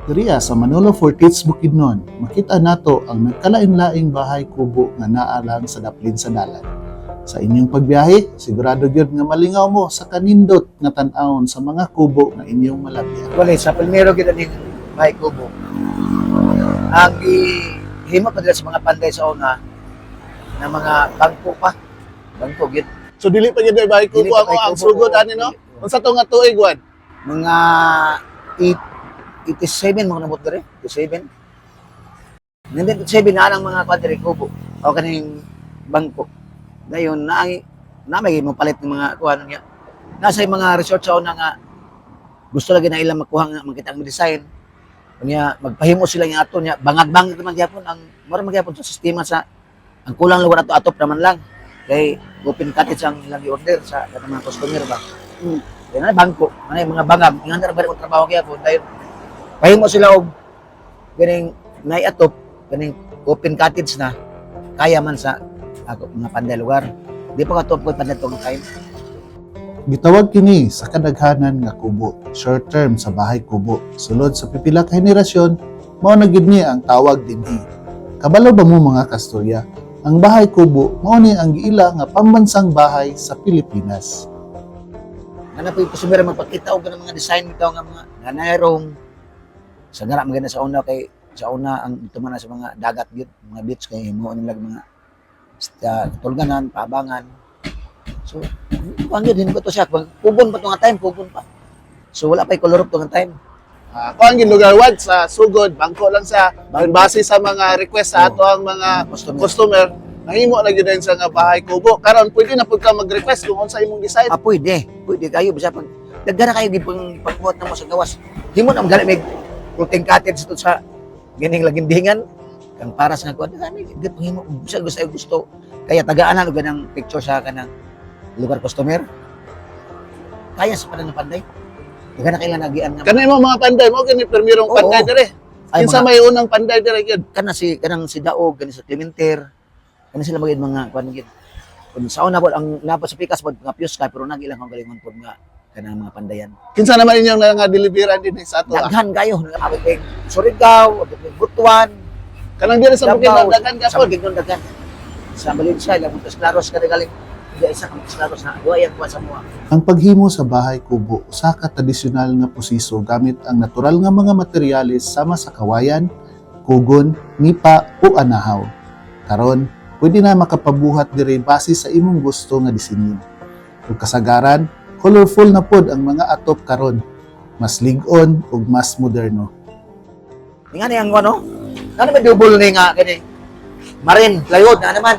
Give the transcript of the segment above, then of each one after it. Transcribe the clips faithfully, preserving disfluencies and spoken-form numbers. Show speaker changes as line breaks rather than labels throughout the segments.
Diriya sa Manolo Fortits Bukidnon, makita nato ang nagkalain-laing bahay kubo nga naa lang sa daplin sa dalan. Sa inyong pagbiyahe, sigurado gyud nga malingaw mo sa kanindot nga tan-awon sa mga kubo nga inyong malabyan.
Wala, sa primero kita din bahay kubo. Ang ihimo pa nila sa mga panday sa una na mga bangko pa. Bangko, gid.
So dili pa gyud bahay
Dili
kubo
pa
ang
bahay
ang
kubo,
sugod
oo.
ani no? Unsa to nga tuig wan?
Mga eighty-seven mga nabot dere, eighty-seven. Nandito eighty-seven na ang mga kwadre kubo o kaning bangko. Dayon na na may mo palit ng mga kuha niya. Nasa yung mga resort sa una nga gusto lagi na ilang makuha nga makita ang design. Kunya magpahimo sila nga ato niya bangag-bangag naman gyapon ang mura magyapon sa sistema sa ang kulang lugar ato atop naman lang. Kay open cottage ang ilang order sa kanang mga customer ba. Hmm. Kaya na bangko, ano yung mga bangag, nga na ba trabaho gyapon dahil pahimo sila og ganing naiatop ganing open cottage na kaya man sa ako mga panday lugar. Di pa ka top ko panday tong time.
Gitawag kini sa kadaghanan nga kubo, short term sa bahay kubo. Sulod sa pipila ka henerasyon, mao na gid ni ang tawag dinhi. Kabalo ba mo mga kasturya? Ang bahay kubo mao ni ang giila nga pambansang bahay sa Pilipinas.
Ana po yung customer magpakita og ganang mga design bitaw nga mga nanayroong sa ngara maganda sa una kay sa una ang tumana sa mga dagat gyud, mga beach kay himuon nila mga uh, tulganan, paabangan. So, ang yun, hindi ko to siya. Pugon pa ito nga time, pugon pa. So, wala pa yung color up ito nga time.
Uh, kung ang gilugar wad sa sugod, bangko lang sa
Bangko.
base sa mga request sa
Oo.
ato ang mga
Customer.
customer, nahimo na gyud sa nga bahay kubo. Karon pwede na pud ka mag-request kung unsa imong design.
Ah, pwede. Pwede kayo. Bisa pag, nagdara kayo, di pang pagbuhat na mo sa gawas. Di mo na magaling may floating cottage ito sa ganing lagindingan. Kang para sa nagkuhan, di pang himo. Bisa gusto ay gusto. Kaya tagaan na ganang picture sa kanang lugar customer. Kaya sa panang panday. Di ka na kailan nagian nga.
Kanay mo mga panday mo kini permirong
Oo.
panday dire.
Ay,
Kinsa
mga-
may unang panday dire gyud.
kana si kanang si Daog kanang sa Clementer kana sila magid mga kuan gid kun sa una pod ang napa sa pikas pod nga pius ka pero nagilang ang galingon pod nga kanang mga pandayan
Kinsa naman inyong nga deliveran din sa ato. ah?
daghan kayo nagabot kay Surigao abot kay Butuan
Kanang dire sa Bukidnon dagan
sa
gapon.
Bukidnon daghan sa Valencia ilang Montes Claros kada galing Diya isa ka Montes Claros na duay ang kuan sa mua
Ang paghimo sa bahay kubo usa ka tradisyonal nga posiso gamit ang natural nga mga materyales sama sa kawayan, kugon, nipa o anahaw. Karon, pwede na makapabuhat diri base sa imong gusto nga disenyo. Ug kasagaran, colorful na pod ang mga atop karon. Mas lig-on ug mas moderno.
nga ni ang ano ano ba double ni nga kani Marin plywood na naman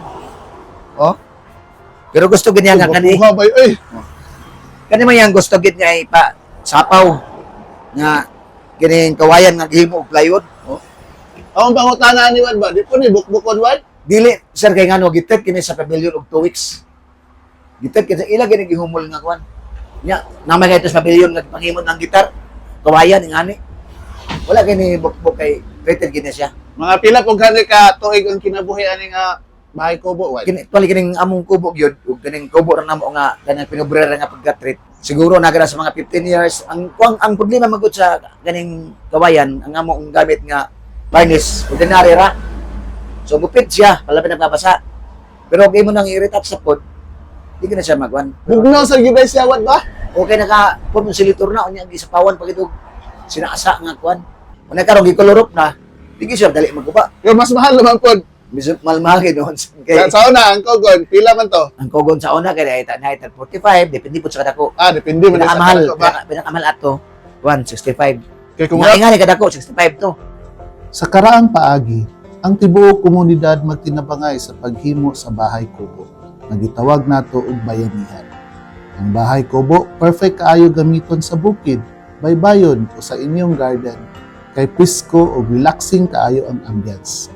oh pero gusto ganyan nga kani
Buha bay ay.
Kani man yang gusto gid nga ipa sapaw nga kining kawayan nga gihimo og plywood. Oh.
Ang pangutana ni Wad ba? Di po ni bukbukon Wad?
Dili sir kay ngano gitet kini sa pavilion og two weeks. Gitet kini ila gini gihumol nga kuan. Nya namay kay sa pavilion nga panghimot ng gitar. Kawayan ngani. Wala kini bukbuk kay rated gini siya.
Mga pila pug gani ka tuig ang kinabuhi ani nga bahay kubo Wad.
Kini tuwali kining among kubo gyud ug kining kubo ra namo nga kanang pinobrera nga pagka-treat. Siguro nagara sa mga fifteen years ang kuang ang problema magud sa ganing kawayan ang among gamit nga varnish ordinary ra. So gupit siya, palapit na babasa. Pero okay mo nang i-retouch sa pod, di ka na siya magwan.
Bugnaw sa gibay siya Wad ba?
Okay na ka, pod mo silitor na, unya gi sa pawan pag ito, sinaasa nga kuan. Kung nagkaroon, gikolorop na, di ka siya dali magkuba.
Pero mas mahal naman pod.
Biso malmahal doon.
Sa
Kay,
sa una ang kugon, pila man to?
ang kogon sa una, kaya ita na ita forty-five, depende po sa kadako.
Ah, depende man sa
Pinakamahal,
kanto ba.
pinaka- pinakamahal ato, one sixty-five.
Kay kung
Kung nga kadako, sixty-five to.
sa karaang paagi, ang tibuok komunidad magtinabangay sa paghimo sa bahay kubo. Nagitawag nato og bayanihan. Ang bahay kubo perfect kaayo gamiton sa bukid, baybayon o sa inyong garden. Kay pisko o relaxing kaayo ang ambience.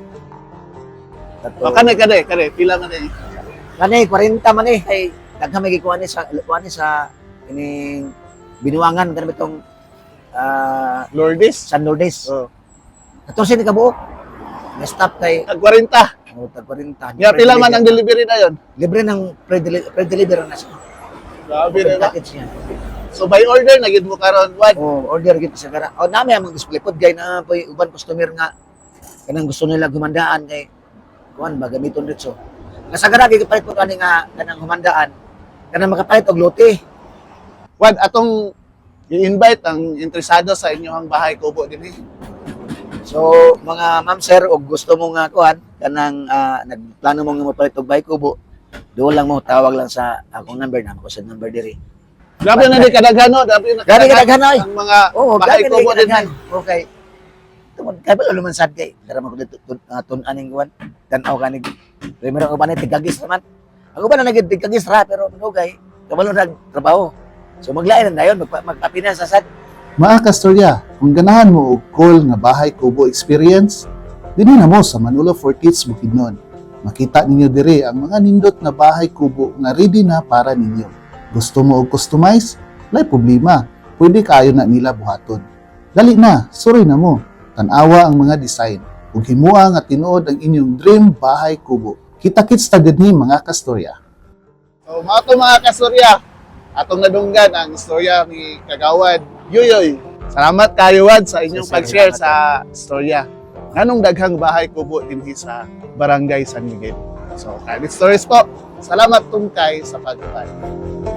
Tato.
kanay kanay, kanay pila man eh.
Kanay, forty man eh. Kay, daghan may gikuha ni sa, kuha ni sa, ining, binuangan, kanang itong, ah,
Lourdes.
San Lourdes.
Oh.
Ito siya ni kabuok. Na-stop kay,
Tag forty.
oh, tag forty.
Ya pila man ang delivery na yon.
Libre ng pre-deli- pre-deliver na siya.
Grabe na ba?
Package niya.
So by order na gid mo karon wad.
O order gid sa kara. O nami ang display pod kay na po uban customer nga kanang gusto nila humandaan kay kuan ba gamiton dito. Kasagara gid palit po kani nga kanang humandaan kanang makapalit og lote.
Wad atong i-invite ang interesado sa inyong bahay kubo dinhi.
So mga ma'am sir og gusto mo nga kuan kanang ah, nagplano mo nga mapalit og bahay kubo, do lang mo tawag lang sa akong number na ko sa number diri.
Grabe na di kadaghan no, grabe na
Grabe kadaghan, oy.
ang mga
Oo,
bahay
gabi
kubo
na
dinhi.
kadaghan. Okay. Tumod kay ba luman sad kay. Dara man ko dito tun uh, tun aning kuan. Tan-aw kanig. Primero ko ba ni tigagis naman. Ako ba na nagid tigagis ra pero manugay. Kabalo nag trabaho. So maglain na dayon magpa, magpapina sa sad.
Mga kastorya, kung ganahan mo og cool nga bahay kubo experience, dinhi na mo sa Manolo for Kids Bukidnon. Makita ninyo dire ang mga nindot na bahay kubo nga ready na para ninyo. Gusto mo og customize? Lay problema. Pwede kayo na nila buhaton. Dali na, suroy na mo. Tanawa ang mga design. Ug himua nga tinuod ang inyong dream bahay kubo. Kita-kits ta dinhi mga kastorya. So, mga to mga kastorya, atong nadunggan ang istorya ni Kagawad Yuyoy. Salamat kayo Wad sa inyong
Sir,
pag-share
salamat.
sa istorya. Nganong daghang bahay kubo dinhi sa Barangay San Miguel. So, Kalit Stories po. Salamat tungkay sa pagpapay.